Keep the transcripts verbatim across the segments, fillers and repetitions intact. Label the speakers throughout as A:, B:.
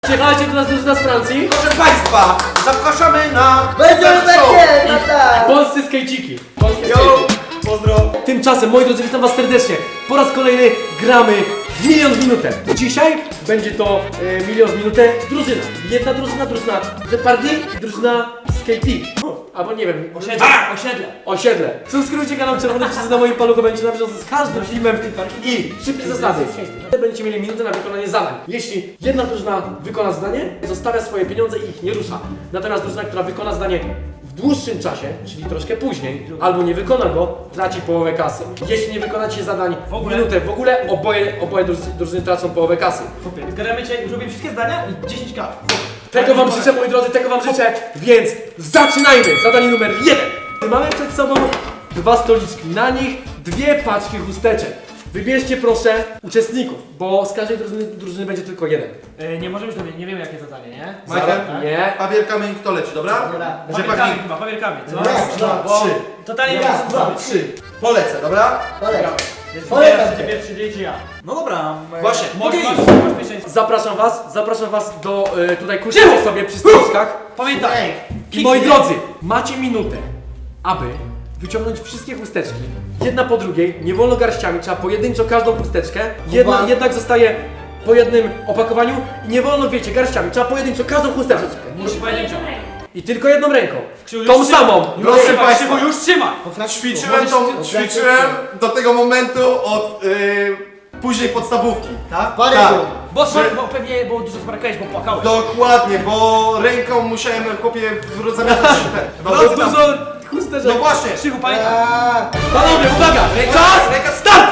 A: Przyjechaliście do nas drużyna z Francji?
B: Proszę Państwa, zapraszamy na...
C: Będziemy, będzie, no tak!
A: Polscy skejciki. Polskie
B: Yo,
A: skejty.
B: pozdro.
A: Tymczasem, moi drodzy, witam was serdecznie. Po raz kolejny gramy w milion w minutę. Dzisiaj będzie to e, milion w minutę. Drużyna. Jedna drużyna, drużyna Jeopardy i drużyna Skate. Albo nie wiem.
D: Osiedle, osiedle.
A: Osiedle. Subskrybujcie kanał Czerwony Przycisk na moim paluchu, będzie na bieżąco z każdym filmem i szybkie zasady. Będziecie mieli minutę na wykonanie zadań. Jeśli jedna drużyna wykona zadanie, zostawia swoje pieniądze i ich nie rusza. Natomiast drużyna, która wykona zadanie w dłuższym czasie, czyli troszkę później, albo nie wykona go, traci połowę kasy. Jeśli nie wykonacie zadań w
D: ogóle?
A: minutę w ogóle, oboje, oboje drużyny, drużyny tracą połowę kasy.
D: Zgadamy cię, zrobię wszystkie zdania i dziesięć ka.
A: Tego wam życzę, moi drodzy, tego wam życzę, więc zaczynajmy! Zadanie numer jeden. Mamy przed sobą dwa stoliczki, na nich dwie paczki chusteczek. Wybierzcie proszę uczestników, bo z każdej drużyny, drużyny będzie tylko jeden.
D: E, nie możemy już dowiedzieć, nie wiemy jakie zadanie, nie?
B: Michael?
D: Tak?
A: Nie.
B: Papier, kamień, kto leci, dobra?
C: Dobra.
D: Papierkami chyba, papierkami, co?
C: Raz, dwa,
D: Bo
B: trzy.
D: totalnie nie
C: Raz,
D: wiem co
C: dwa,
D: zrobić.
B: Trzy. Polecę, dobra?
C: Polecam.
D: Więc
C: Polecam
D: wybierasz,
C: cię.
D: czy pierwszy dzień, czy ja.
E: No dobra.
B: Właśnie.
D: Możesz,
B: Okej.
D: masz, masz pierwszeństwo.
A: Zapraszam was, zapraszam was do y, tutaj kusienia sobie przy stoliczkach.
D: Pamiętaj.
A: I moi drodzy, macie minutę, aby wyciągnąć wszystkie chusteczki, jedna po drugiej, nie wolno garściami, trzeba pojedynczo każdą chusteczkę, jedna
C: Uwa-
A: jednak zostaje po jednym opakowaniu i nie wolno, wiecie, garściami, trzeba pojedynczo każdą chusteczkę.
D: Musisz pojedynczo.
A: I tylko jedną ręką,
D: Krzywu,
A: tą
D: już
A: samą.
D: trzymaj.
B: Proszę
D: Trzymaj,
B: Państwa.
D: Krzywu, już trzymaj.
C: Po francusku.
B: Ćwiczyłem, tą,
C: Możesz-
B: ćwiczyłem do tego momentu od yy, później podstawówki, tak?
C: Paryżu.
B: Tak.
D: Bo, smar- bo pewnie było dużo smarkałeś, bo płakałeś.
B: Dokładnie, bo ręką musiałem chłopie w- zamiatać te
A: No
B: włosy tam.
A: dużo chusteczek.
B: No właśnie.
D: Krzywu, pamiętaj.
C: Aaa,
A: Panowie, uwaga! Czas!
B: Ręka
A: Start!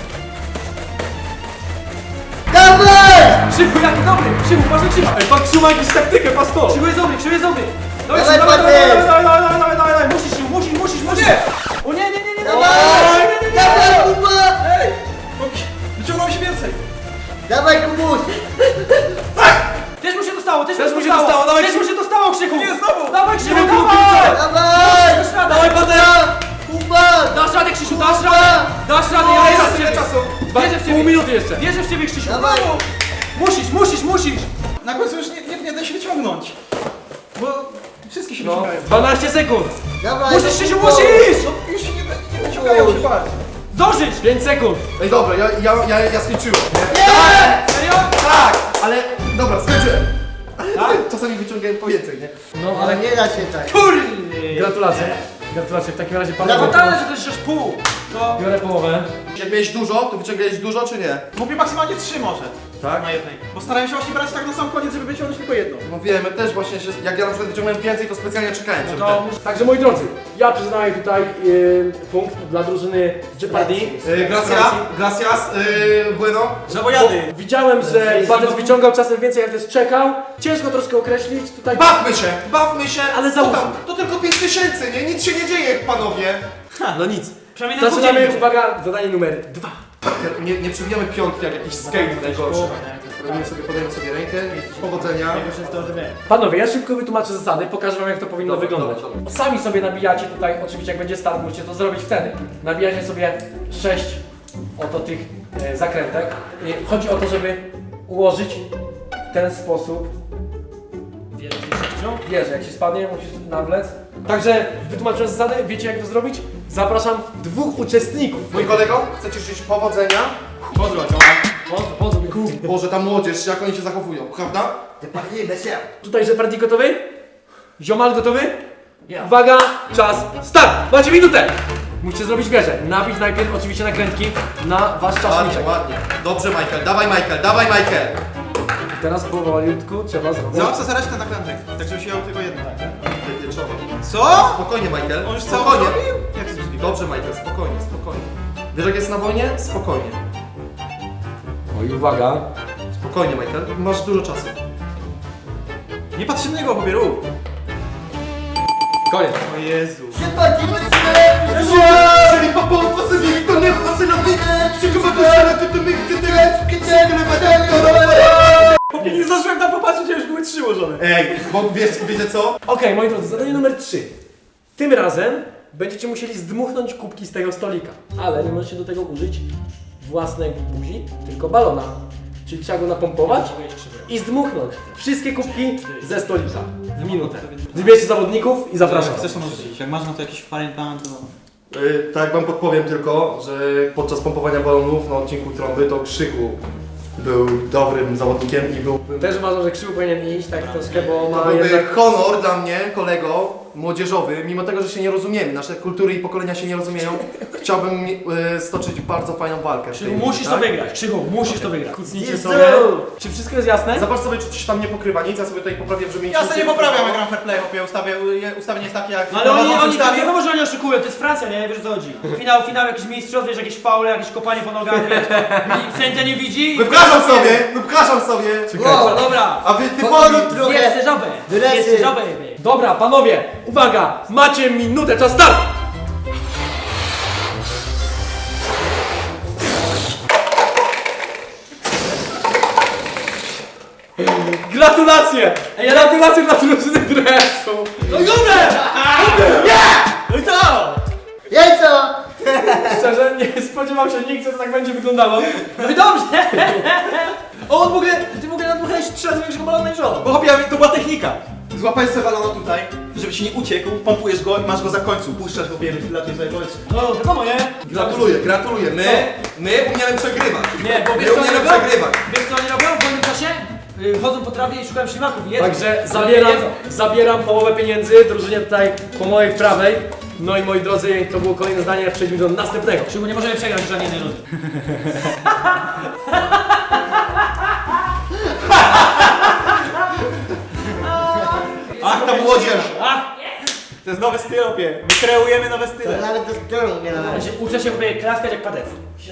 C: Dawaj!
D: Krzywu, jaki dobry. Krzywu, patrz na Krzywu.
A: Ej, pan Krzywu ma jakąś taktykę, patrz to!
D: Krzywu jest dobry, Krzywu jest dobry.
C: Dawaj,
D: Krzywu, dawaj,
C: Patryk.
D: dawaj, dawaj, dawaj, dawaj, dawaj, dawaj, dawaj. Musisz, Krzywu, musisz, musisz, musisz.
A: Nie.
D: O nie, nie, nie, nie,
C: Dawaj! Dawaj, Kuba!
D: Wyciągnął się więcej.
C: Dawaj, Kubuś!
D: Też mu się dostało, też,
A: Też mu się dostało, dawaj,
D: Też mu się dostało, Krzyku.
A: Nie, znowu.
D: Dawaj, Krzyku,
A: Nie wiem,
D: dawaj.
C: Dawaj!
D: Dasz radę.
A: Dawaj, Patryk!
C: Kuba!
D: Dasz radę, Krzysiu, dasz radę! Dasz radę, ja wierzę w
B: Ile
D: ciebie!
B: czasu?
A: Dwa,
D: Wierzę w
A: pół
D: ciebie!
A: minuty jeszcze.
D: Wierzę w ciebie, Krzysiu!
C: Dawaj!
D: Brawo. Musisz, musisz, musisz!
E: Na końcu już nie, nie, nie da się wyciągnąć. Bo wszystkie się
A: No,
E: wyciągają.
A: dwanaście sekund.
C: Dawaj!
D: Musisz, Krzysiu,
C: Kubo.
D: musisz!
E: No już się nie, nie wyciągają się bardziej.
D: Dążyć!
A: pięć sekund.
B: Ej dobra, ja, ja, ja, ja skończyłem, nie?
C: Nie!
D: Serio?
B: Tak, ale dobra, skończyłem.
D: Tak?
B: Czasami wyciągałem po więcej, nie?
A: No,
C: Ale
A: ale
C: nie da się tak.
D: Kurde!
A: gratulacje. Gratulacje, w takim razie
D: No
A: panowie.
D: fatalne, że to jest aż pół! To...
A: Biorę połowę.
B: Jak miałeś dużo, to wyciągałeś dużo, czy nie?
E: Mówię maksymalnie trzy może.
B: Tak?
E: Na jednej. Bo starałem się właśnie brać tak na sam koniec, żeby wyciągnąć tylko jedną.
B: No wiemy, też właśnie się, jak ja na przykład wyciągnąłem więcej, to specjalnie czekałem, żeby
D: To...
A: Także moi drodzy, ja przyznaję tutaj yy, punkt dla drużyny Jeopardy.
B: ten... Yy, gracias, gracias, yy, bueno.
E: Żabojady!
A: Bo widziałem, że Batec wyciągał czasem więcej, jak też czekał. Ciężko troszkę określić tutaj.
B: Bawmy się, bawmy się,
A: Ale
B: Co
A: załóżmy.
B: tam? To tylko pięć tysięcy, nie? Nic się nie dzieje, panowie.
A: No nic.
D: Przynajmniej na
A: Zaczynamy,
D: dwudziestym.
A: uwaga, zadanie numer dwa.
B: Nie, nie przybijamy piątki jak jakiś skate najgorszy. Robimy sobie, podajemy sobie rękę, powodzenia.
D: Najgorsze jest to, że wiem.
A: Panowie, ja szybko wytłumaczę zasady, pokażę wam jak to powinno
B: Dobra,
A: wyglądać.
B: dobra, dobra.
A: Sami sobie nabijacie tutaj, oczywiście jak będzie start, musicie to zrobić wtedy. Nabijacie sobie sześć oto tych e, zakrętek. I chodzi o to, żeby ułożyć w ten sposób
D: Wierzę w sześciu.
A: wieżę. Jak się spadnie, musisz nawlec. Także wytłumaczyłem zasady, wiecie jak to zrobić? Zapraszam dwóch uczestników.
B: Mój kolego, chcecie życzyć powodzenia?
D: Pozdro,
A: Pozdro, pozdro, byku.
B: Boże, ta młodzież, jak oni się zachowują, prawda?
C: Jeopardy, bez się.
A: Tutaj Jeopardy gotowy? Ziomal gotowy?
D: Ja.
A: Uwaga, czas, start! Macie minutę! Musicie zrobić wieżę. Nabić najpierw oczywiście nakrętki na wasz
B: Ładnie,
A: czaszniczek.
B: ładnie. Dobrze, Michael, dawaj Michael, dawaj Michael.
A: I teraz powolutku trzeba zrobić.
E: Załap sobie resztę nakrętek, tak żeby się miał tylko jedno.
B: Wypieczowo.
E: Co?
B: Spokojnie, Michael.
E: On już cało
B: spokojnie.
E: zrobił? Jak to jest możliwe?
B: Dobrze, Michael, spokojnie, spokojnie. Wiesz jak jest na wojnie? Spokojnie.
A: Oj, uwaga.
B: Spokojnie, Michael. Masz dużo czasu.
E: Nie patrz na niego, pobieru.
A: Koniec.
E: O Jezu.
C: Jeopardy, bez się!
B: Jeżeli papa facylii, to nie facylowi.
E: Nie zdążyłem tam popatrzeć, a już były trzy ułożone.
B: Ej, bo wiesz, wiecie co?
A: Okej, moi drodzy, zadanie numer trzy. Tym razem będziecie musieli zdmuchnąć kubki z tego stolika. Ale nie możecie do tego użyć własnej buzi, tylko balona. Czyli trzeba go napompować
D: Mogę iść krzywo.
A: i zdmuchnąć wszystkie kubki ze stolika w minutę. Wybierzcie zawodników i zapraszam.
E: Chcesz to możesz. Jak masz na to jakiś fajny plan, to...
B: Yy, tak wam podpowiem tylko, że podczas pompowania balonów na odcinku trąby to Krzyku był dobrym zawodnikiem i był...
A: Też uważam, że Krzywu powinien iść tak troszkę, bo
B: To
A: ma
B: byłby
A: jednak...
B: honor dla mnie, kolego młodzieżowy, mimo tego, że się nie rozumiemy, nasze kultury i pokolenia się nie rozumieją, chciałbym y, stoczyć bardzo fajną walkę. w
D: Krzychu,
B: tej-
D: musisz
B: tak?
D: to wygrać. Krzychu, musisz to wygrać.
A: Kucnijcie
C: Jezu!
A: sobie. Czy wszystko jest jasne?
B: Zobacz sobie, czy coś tam nie pokrywa nic, ja sobie tutaj poprawię, żeby
E: Ja sobie nie
B: nic
E: poprawiam, jak gram fair play, chłopie, ustawię, ustawienie jest takie jak...
D: No ale oni,
E: prowadzący
D: oni,
E: ustawił.
D: wiadomo, że oni oszukują, to jest Francja, nie? Wiesz o co chodzi. Finał, finał, jakiś mistrzostw, wiesz, jakieś faule, jakieś kopanie po nogach, wiesz, to sędzia nie widzi.
B: Wypraszam sobie! Wypraszam sobie!
D: Dobra, dobra.
B: A wy typowi...
C: Powolutku. Trochę.
D: Jest żabę,
C: Wylecy.
D: jest żabę.
A: Dobra, panowie, uwaga! Macie minutę, czas start! Gratulacje! Gratulacje dla drużyny dresu!
D: No Juber! No i co?
C: Jajco!
A: Szczerze, nie spodziewał się nikt, że to tak będzie wyglądało.
D: No i dobrze. O, on w ogóle, ty w ogóle nadmuchałeś trzy razy większego balona niż on.
E: Bo chłopie, to była technika. Złapałeś sobie balona tutaj, żeby ci nie uciekł, pompujesz go i masz go za końcu, puszczasz go, bierzesz, latujesz sobie powietrze.
D: No wiadomo, nie?
B: Gratuluję, gratuluję. My, my umiemy przegrywać.
D: Nie, bo wiesz
B: My
D: co oni
B: umiemy
D: robią?
B: przegrywać.
D: Wiesz co oni robią w wolnym czasie? Y, Chodzą po trawie i szukają ślimaków i jedzą.
A: Także
D: Ale
A: zabieram,
D: nie jedzą.
A: zabieram połowę pieniędzy drużynie tutaj po mojej prawej. No i moi drodzy, to było kolejne zdanie, przejdźmy do następnego.
D: Krzychu, nie możemy przegrać żadnej jednej rundy.
E: Ach, ta młodzież!
D: Ach,
E: To jest nowy styl, chłopie. My kreujemy nowe
C: To
E: style.
C: nawet do sklepu nie
D: ja
C: należy.
D: się uczę się sobie klaskać jak padec.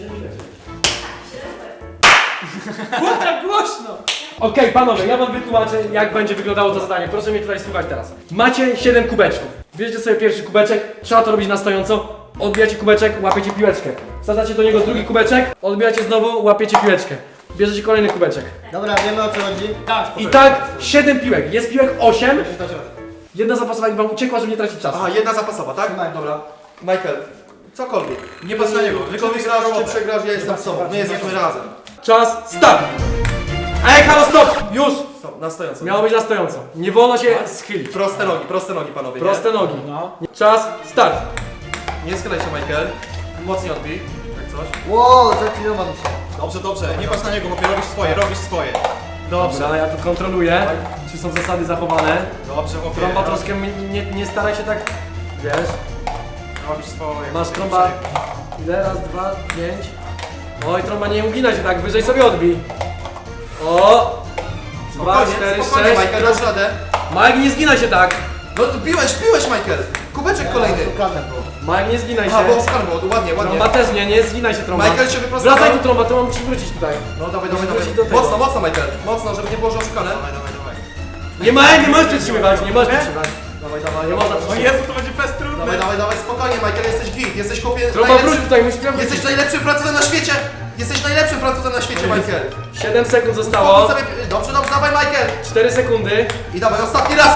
D: Było tak głośno!
A: Okej, panowie, ja wam wytłumaczę, jak będzie wyglądało to zadanie. Proszę mnie tutaj słuchać teraz. Macie siedem kubeczków. Bierzecie sobie pierwszy kubeczek, trzeba to robić na stojąco. Odbijacie kubeczek, łapiecie piłeczkę. Wsadzacie do niego drugi kubeczek, odbijacie znowu, łapiecie piłeczkę. Bierzecie kolejny kubeczek.
C: Dobra, wiemy o co chodzi.
D: Tak,
A: I tak siedem piłek. Jest piłek osiem. Jedna zapasowa, jak wam uciekła, żeby nie tracić czasu.
B: Aha, jedna zapasowa, tak?
C: Trzymaj.
B: Dobra. Michael, cokolwiek.
E: Nie patrz na niego,
B: Czy
E: tylko
B: wygrasz, czy przegrasz, ja jestem z tobą. My jesteśmy razem.
A: Czas, start! Ej, halo, stop! Już!
B: Stop, na stojąco.
A: Miało być na stojąco. Nie wolno się schylić.
B: Proste nogi, proste nogi panowie, nie?
A: Proste nogi.
D: No.
A: Czas, start!
B: Nie schylaj się, Michael. Mocniej odbij, jak coś.
C: Wow, zaklinowam się.
E: Dobrze, dobrze, nie patrz na niego, chłopie, robisz swoje, robisz swoje. Dobrze,
A: Dobra, ja tu kontroluję, czy są zasady zachowane.
E: dobrze, chłopie.
A: Trąba troszkę mi- nie, nie staraj się tak, wiesz.
E: Robisz swoje.
A: Masz trąba, ile? Raz, dwa, pięć. Oj, trąba, nie ugina się tak, wyżej sobie odbij. O! Dwa,
B: Spokojnie,
A: cztery,
B: spokojnie,
A: sześć.
B: Michael, dasz radę.
A: Mike, nie zginaj się tak!
B: No piłeś, piłeś, Michael. Kubeczek kolejny.
C: Szukane było.
A: Mike, nie zginaj
B: Aha,
A: się.
B: bo skarbo, ładnie, ładnie.
A: Trąba też nie, nie zginaj się trąba.
B: Michael się wyprostował.
A: Wracaj tu trąba, trąba musi wrócić tutaj.
B: No dawaj, dawaj,
A: wrócić
B: dawaj.
A: do tego.
B: Mocno, mocno, Michael. Mocno, żeby nie było, że oszukane.
E: Dawaj, dawaj, dawaj.
A: Nie ma, nie możesz przytrzymywać, nie możesz przytrzymywać.
B: Dawaj, dawaj.
A: Nie można
E: O
A: przytrzymać.
E: Jezu, to będzie fest trudny.
B: Dawaj, dawaj, dawaj, spokojnie, Michael, jesteś git, jesteś chłopie
A: Trąba wróć
B: najlepszym,
A: tutaj, musisz wrócić.
B: jesteś najlepszym Francuzem na świecie! Jesteś najlepszym Francuzem na świecie, Michael!
A: siedem sekund
B: Spokój
A: zostało.
B: sobie, dobrze, dobrze, dawaj, Michael!
A: cztery sekundy.
B: I dawaj, ostatni raz!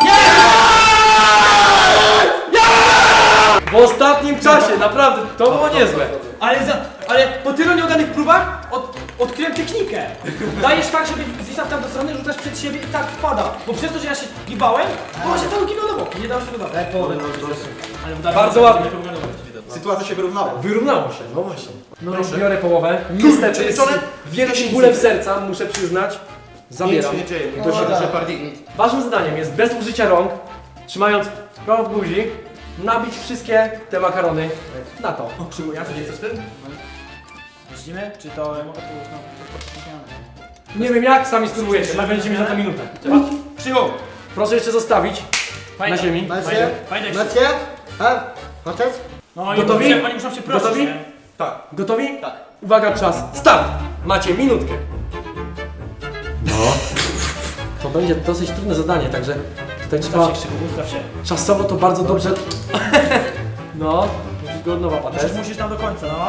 A: W ostatnim czasie, naprawdę, to było niezłe.
D: Ale, za, ale po tylu nieudanych próbach od, odkryłem technikę. Dajesz tak, żeby zwisał tam do strony, rzucasz przed siebie i tak wpada. Bo przez to, że ja się gibałem, to on się cały gibał na bok. Nie dało się dodawać.
C: Daj połowę.
D: Ale udało
A: Bardzo
D: się,
A: ładnie.
D: nie powinno być.
E: Sytuacja się wyrównała.
A: Wyrównało się, no właśnie. No
B: Proszę.
A: i biorę połowę. Niestety, z
B: Przeliczone?
A: wielkim bólem serca, muszę przyznać,
B: Nic
A: zabieram.
B: się nie dzieje,
C: O,
B: to się
C: tak.
B: Jeopardy.
A: Waszym zadaniem jest bez użycia rąk, trzymając prawo w buzi, nabić wszystkie te makarony na to.
B: Przyjmujesz, nie chcesz ty?
D: Widzimy? Czy to mogę pójść na...
A: Nie wiem jak, sami spróbujecie, ale będziecie mieć na to minutę.
D: Przyjął!
A: Proszę jeszcze zostawić na ziemi.
C: Macie?
D: Fajne.
C: Macie? A? Facet?
D: No oni
A: Gotowi?
D: Muszą, oni muszą się prosić,
A: Gotowi?
D: nie?
B: Tak.
A: Gotowi?
E: Tak.
A: Uwaga, czas, start! Macie minutkę. No. To będzie dosyć trudne zadanie, także tutaj trzeba
D: Ustaw się, Krzyku, ustaw się.
A: czasowo to bardzo dobrze... No, musisz go od nowa patrzeć.
D: Musisz, musisz tam do końca, no.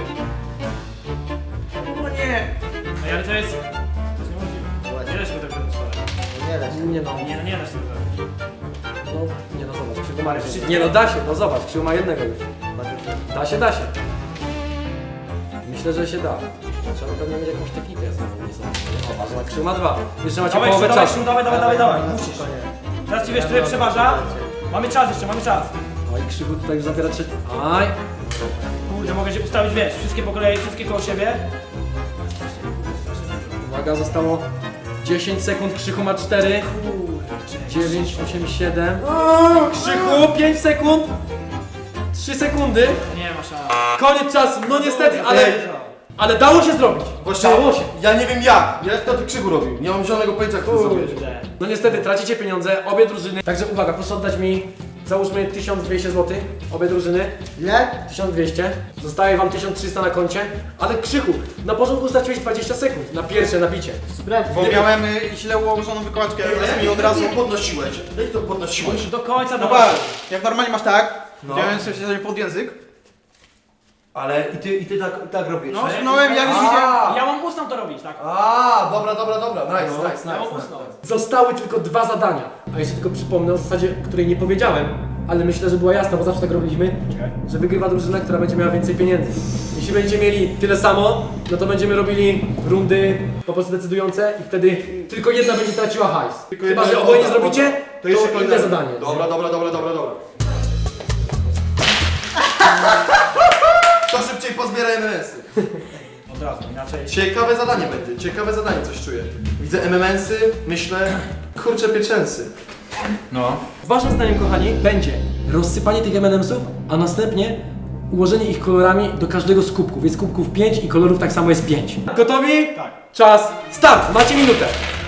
E: No nie.
D: Ej, ale to jest... To jest niemożliwe. Nie da się go tak zrobić.
C: Nie da się.
A: Nie no,
D: Nie, no nie da się tego zrobić.
A: no, nie no zobacz, Krzyku ma...
D: Ale wszyscy-
A: Nie no da się, no zobacz, Krzyku ma jednego już. Da się, da się. Myślę, że się da. Trzeba pewnie mieć jakąś technikę znowu, nie są. O, ale Krzyk ma dwa. Jeszcze macie
D: Dawaj,
A: połowę
D: dawaj,
A: czasu.
D: dawaj, dawaj, dawaj, dawaj. Musisz. Teraz ci wiesz, który przeważa. Mamy czas jeszcze, mamy czas.
A: Oj, Krzyku tutaj już zabiera trzeci. Aj!
D: Kurde, mogę się ustawić, wiesz, wszystkie po kolei, wszystkie koło siebie.
A: Uwaga, zostało dziesięć sekund, Krzychu ma cztery. dziewięć, osiem, siedem. Krzychu, pięć sekund. trzy sekundy.
D: Nie ma szans.
A: Koniec czasu, no niestety, ale, ale dało się zrobić.
B: Właśnie,
A: Dało się.
B: ja nie wiem jak. Jak to ty Krzyku robił? Nie mam zielonego pojęcia, jak to zrobić.
D: Kurde.
A: No niestety, tracicie pieniądze, obie drużyny. Także uwaga, proszę oddać mi, załóżmy tysiąc dwieście złotych, obie drużyny.
C: Ile?
A: tysiąc dwieście. Zostaje wam tysiąc trzysta na koncie. Ale Krzychu, na początku straciłeś dwadzieścia sekund na pierwsze nabicie.
C: Sprawdź.
E: Bo miałem y, źle ułożoną wykładkę i od razu...
B: podnosiłeś. Daj to podnosiłeś.
D: Do końca
E: No
D: dawaj.
E: patrz, jak normalnie masz tak,
B: No.
E: wziąłem sobie pod język,
B: Ale i ty, i ty tak, tak robisz?
E: no sunąłem, jak już widziałem...
D: Ja mam ustną to robić, tak?
B: A, dobra, dobra, dobra. Nice,
A: No.
B: nice,
D: Ja mam
B: nice.
D: ustną.
A: Zostały tylko dwa zadania. A jeszcze tylko przypomnę o zasadzie, której nie powiedziałem, ale myślę, że była jasna, bo zawsze tak robiliśmy, że wygrywa drużyna, która będzie miała więcej pieniędzy. Jeśli będziecie mieli tyle samo, no to będziemy robili rundy po prostu decydujące i wtedy tylko jedna będzie traciła hajs.
B: Tylko
A: Chyba,
B: jedna-
A: że oboje nie
B: dobra,
A: zrobicie,
B: dobra.
A: to,
B: jeszcze
A: inne
B: kolejne
A: zadanie.
B: Dobra, dobra, dobra, dobra, dobra. To szybciej pozbieraj M M S-y.
D: Od razu, inaczej.
B: Ciekawe zadanie będzie, ciekawe zadanie, coś czuję. Widzę M M S-y, myślę, kurczę pieczęsy.
E: No.
A: Waszym zdaniem, kochani, będzie rozsypanie tych M and M'sów, a następnie ułożenie ich kolorami do każdego z kubków. Jest kubków pięć i kolorów tak samo jest pięć. Gotowi?
D: Tak.
A: Czas, start! Macie minutę.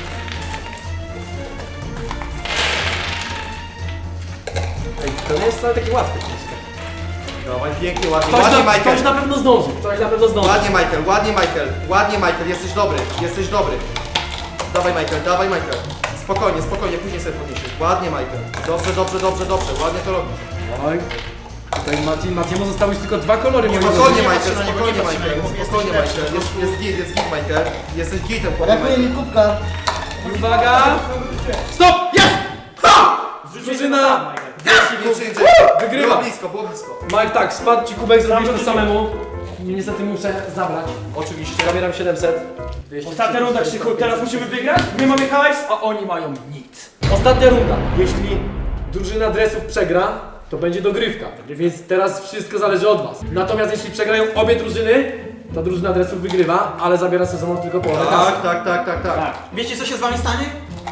A: Ej, to nie jest wcale takie łatwe.
B: Dawaj, pięknie, ładnie,
A: Ktoś
B: ładnie
A: na, ktoś
B: Michael.
A: na pewno zdąży, ktoś na pewno zdąży.
B: Ładnie Michael, ładnie Michael, ładnie Michael, jesteś dobry, jesteś dobry. Dawaj Michael, dawaj Michael. Spokojnie, spokojnie, później sobie podniesiesz. Ładnie Michael. Dobrze, dobrze, dobrze, dobrze, ładnie to robisz.
A: Oj. Tutaj Mati, Matiemu zostały już tylko dwa kolory. moi
B: Spokojnie
A: drodzy.
B: Michael,
E: na niego,
B: spokojnie
E: nie patrz na
B: Michael,
E: niego, jesteś
B: spokojnie
E: lepszy.
B: Michael. Jest, jest git, jest git Michael. Jesteś gitem, chłopie
C: Brakuje
B: Michael.
C: mi kubka.
A: Uwaga! Stop! Jest! Ha! Drużyna wygrywa.
B: Było blisko, było blisko.
A: Mike, tak, spadł ci kubek, zrobiłeś to samemu. Niestety muszę zabrać.
B: Oczywiście.
A: Zabieram siedemset. dwieście,
D: Ostatnia runda, Krzychu, teraz musimy wygrać. My mamy hajs, a oni mają nic.
A: Ostatnia runda. Jeśli drużyna dresów przegra, to będzie dogrywka. Więc teraz wszystko zależy od was. Natomiast jeśli przegrają obie drużyny, to drużyna dresów wygrywa, ale zabiera sezonu tylko połowę kasy.
B: Tak, tak, tak, tak, tak.
D: Tak.
E: Wiecie co się z wami stanie?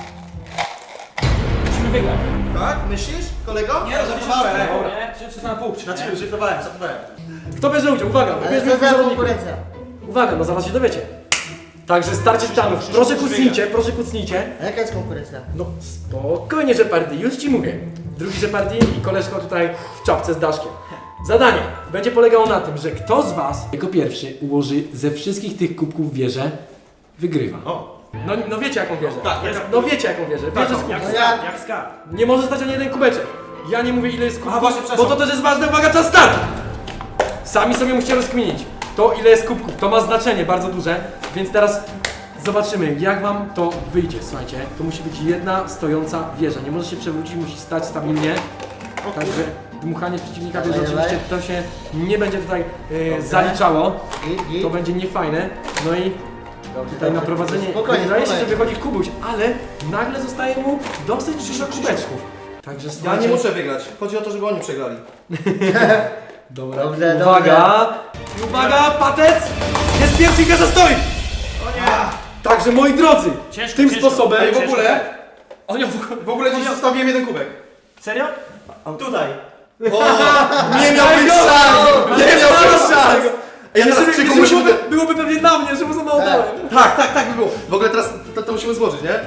D: Musimy wygrać.
B: Tak? Myślisz, kolego?
E: Nie, żartowałem.
D: Nie, trzy na pół.
E: Znaczy, żartowałem, żartowałem.
A: Kto bierze udział? Uwaga,
C: Ale
A: wybierzmy
C: co za
A: zawodników.
C: konkurencja?
A: Uwaga, no zaraz się dowiecie. Także starcie stanów. Proszę kucnijcie, proszę kucnijcie.
C: A jaka jest konkurencja?
A: No spokojnie, Jeopardy, już ci mówię. Drugi Jeopardy i koleżka tutaj w czapce z daszkiem. Zadanie będzie polegało na tym, że kto z was jako pierwszy ułoży ze wszystkich tych kubków wieżę, wygrywa.
E: O.
A: No, no wiecie jaką wieżę.
E: Tak,
A: No wiecie jaką wieżę. Wieżę z
D: Jak
A: kubków.
D: skarb, jak skarb.
A: Nie może stać ani jeden kubeczek. Ja nie mówię ile jest kubków,
E: właśnie,
A: bo
E: przepraszam.
A: to też jest ważne, uwaga, czas start! Sami sobie musicie rozkminić to ile jest kubków, to ma znaczenie bardzo duże, więc teraz zobaczymy jak wam to wyjdzie, słuchajcie. To musi być jedna stojąca wieża, nie może się przewrócić, musi stać stabilnie. Także dmuchanie przeciwnika wieży
C: Dawaj,
A: oczywiście to się nie będzie tutaj e, zaliczało,
C: Git, git.
A: to będzie niefajne. No i
C: Dobrze,
A: tutaj na
C: dobrze.
A: prowadzenie
C: Spokojnie,
A: wydaje się, że
C: spokojnie.
A: wychodzi Kubuś, ale nagle zostaje mu dosyć dużo kubeczków. Także
B: Ja
A: słuchajcie,
B: nie muszę wygrać. Chodzi o to, żeby oni przegrali.
A: Dobra,
C: Dobrze,
A: uwaga! Uwaga, patec! Jest pierwszy i Gaza stoi! Także moi drodzy,
D: Ciężko,
A: tym
D: ciężko.
A: sposobem
E: Ej, w ogóle,
D: Oni
E: w ogóle dziś zostawiłem jeden kubek.
D: Serio?
E: Tutaj.
B: O, nie miałbyś szans! Nie miałbyś szans! Ja teraz
A: Jeszcze
B: Krzyku
A: by-
B: musimy...
A: byłoby, byłoby pewnie na mnie, że mu za mało dałem.
B: Tak, tak, tak by było. W ogóle teraz to, to musimy złożyć, nie?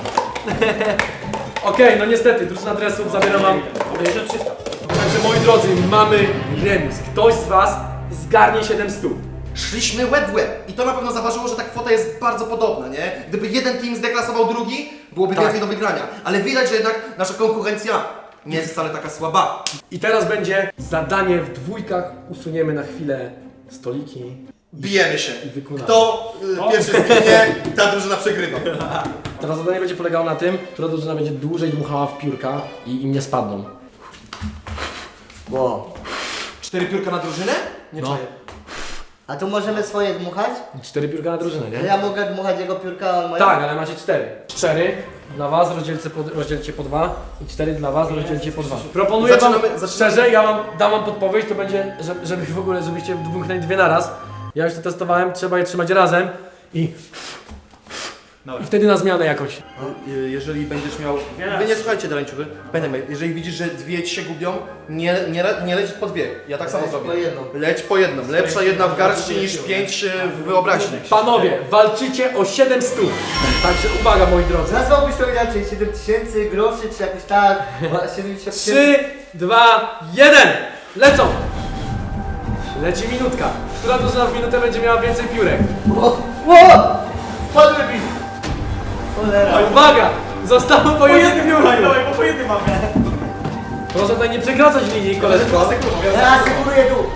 A: Okej, no niestety, drużyna dresów zabiera wam.
D: tysiąc trzysta.
A: Także moi drodzy, mamy remis. Ktoś z was zgarnie siedem stóp.
B: Szliśmy łeb w łeb i to na pewno zaważyło, że ta kwota jest bardzo podobna, nie? Gdyby jeden team zdeklasował drugi, byłoby
A: Tak.
B: więcej do wygrania. Ale widać, że jednak nasza konkurencja nie jest wcale taka słaba.
A: I teraz będzie zadanie w dwójkach. Usuniemy na chwilę stoliki.
B: Bijemy się.
A: I wykonamy.
B: Kto y, pierwszy zginie, ta drużyna przegrywa.
A: Teraz zadanie będzie polegało na tym, która drużyna będzie dłużej dmuchała w piórka i im nie spadną.
C: Wow.
B: Cztery piórka na drużynę? Nie
A: No.
B: czaję.
C: A tu możemy swoje dmuchać?
A: Cztery piórka na drużynę,
C: To
A: nie?
C: ja mogę dmuchać jego piórka, a on moje?
A: Tak, ale macie cztery. Cztery dla was, rozdzielcie po, rozdzielcie po dwa i cztery dla was, rozdzielcie po dwa. Proponuję wam,
B: Zaczynamy- zaczynamy-
A: szczerze, ja wam dam wam podpowiedź, to będzie, żeby, żeby w ogóle, żebyście dmuchnęli dwie na raz. Ja już to testowałem, trzeba je trzymać razem i, i wtedy na zmianę jakoś.
B: Y, Jeżeli będziesz miał... Wy nie słuchajcie daleńczuchy. Pamiętaj, jeżeli widzisz, że dwie ci się gubią, nie, nie, le- nie leć po dwie. Ja tak samo
C: Leć
B: zrobię.
C: po jedną.
B: Leć po jedną. Lepsza jedna w garści niż pięć y, w wyobraźni.
A: Panowie, walczycie o siedem stóp. Także uwaga, moi drodzy.
C: Nazwałbyś to inaczej, siedem tysięcy groszy, czy jakoś tak, siedemdziesiąt
A: trzy, dwa, jeden. Lecą! Leci minutka. Która drużyna w minutę będzie miała więcej piórek?
C: O! O! Spadły mi! Cholera.
A: Uwaga! Zostało po jednym piórku.
E: Dawaj, bo po jednym mamy.
A: Proszę tutaj nie przekraczać linii, koleżko.
C: Ja asekuruję tu!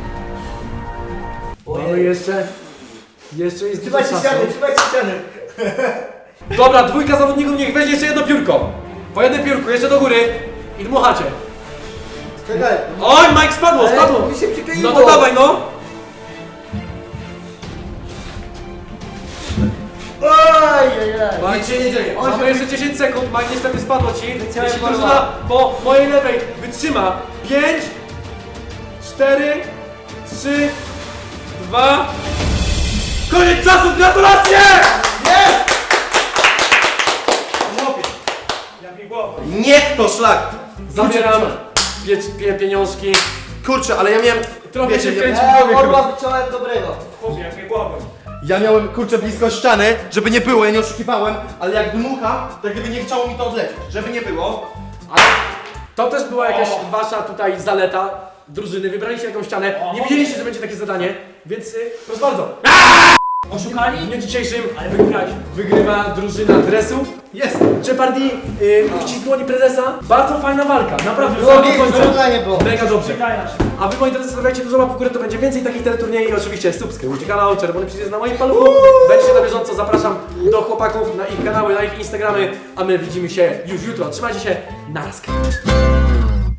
A: Mamy jeszcze... Jeszcze jest dużo
C: Trzymajcie
A: czasu.
C: ściany, trzymajcie ściany!
A: Dobra, dwójka zawodników niech weźmie jeszcze jedno piórko. Po jednym piórku, jeszcze do góry. I dmuchacie.
C: Czekaj!
A: Oj, Mike spadło,
C: Ale
A: spadło.
C: mi się przykleiło.
A: No to dawaj, no.
C: Oj, oj, oj!
B: Nic się nie dzieje.
A: Mamy jeszcze dziesięć sekund, Mike niestety spadło ci.
C: Wyciąłem
A: Jeśli
C: barwa.
A: drużyna po mojej lewej wytrzyma pięć, cztery, trzy, dwa. Koniec czasu, gratulacje!
E: Jak mi głowa.
B: Niech to szlak!
A: Zabieram pie, pie, pieniążki.
B: Kurczę, ale ja miałem...
A: Trochę się
B: ja,
A: wkręci w
C: Ja
A: głowie chyba.
C: orła wyciąłem dobrego.
E: Chłopie, jak mi głowa.
B: ja miałem kurczę blisko ściany, żeby nie było, ja nie oszukiwałem, ale jak dmucham, to gdyby nie chciało mi to odlecieć. Żeby nie było.
A: Ale to też była jakaś wasza tutaj zaleta drużyny. Wybraliście jakąś ścianę. Nie wiedzieliście, że będzie takie zadanie, więc y, proszę bardzo. W
D: Oszukali?
A: dniu dzisiejszym
D: Ale wygrali.
A: wygrywa drużyna dresów. Jest! Jeopardy, yy, uścisk dłoni prezesa. Bardzo fajna walka, naprawdę.
C: Było
A: do
C: mi,
A: końca.
C: żądanie było.
A: Mega dobrze.
D: Czekaj na siebie.
A: A wy, moi drodzy, stawiajcie dużo łap w górę, to będzie więcej takich teleturniejów i oczywiście subskrybujcie kanał, czerwony przycisk na moim paluchu. Będziecie na bieżąco, zapraszam do chłopaków na ich kanały, na ich Instagramy, a my widzimy się już jutro. Trzymajcie się, na razie.